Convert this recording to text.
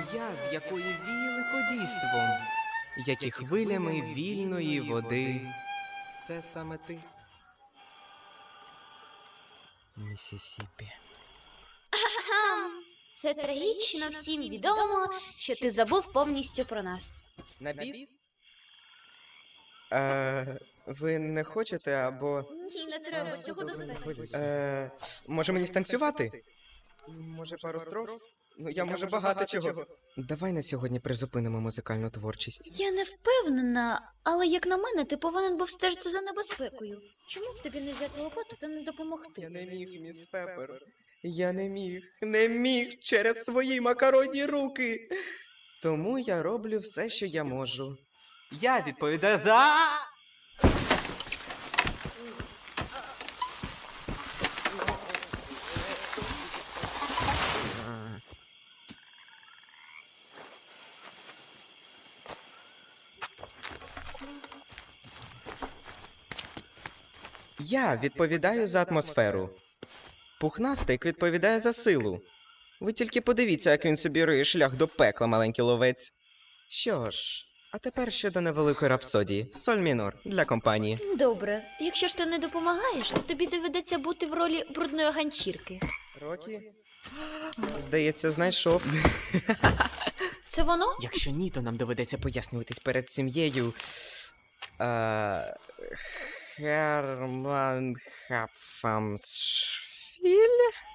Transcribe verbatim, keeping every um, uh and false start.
Я, з якої віяли подійством, як і хвилями вільної води. Це саме ти. Місісіпі. Це трагічно всім відомо, що ти забув повністю про нас. На біс? Е, ви не хочете або... Ні, не треба, всього достатньо. Е, може мені станцювати? Може пару строф? Ну, я можу багато чого. Давай на сьогодні призупинимо музикальну творчість. Я не впевнена, але як на мене, ти повинен був стежити за небезпекою. Чому б тобі не взяти лопату та не допомогти? Я не міг, міс Пеппер. Я не міг, не міг через свої макаронні руки. Тому я роблю все, що я можу. Я відповідаю за... Я відповідаю за атмосферу. Пухнастик відповідає за силу. Ви тільки подивіться, як він собі риє шлях до пекла, маленький ловець. Що ж, а тепер щодо невеликої рапсодії. Соль мінор для компанії. Добре, якщо ж ти не допомагаєш, то тобі доведеться бути в ролі брудної ганчірки. Рокі? Здається, знайшов. Це воно? Якщо ні, то нам доведеться пояснюватись перед сім'єю. А... Херман Хапфамсфіль?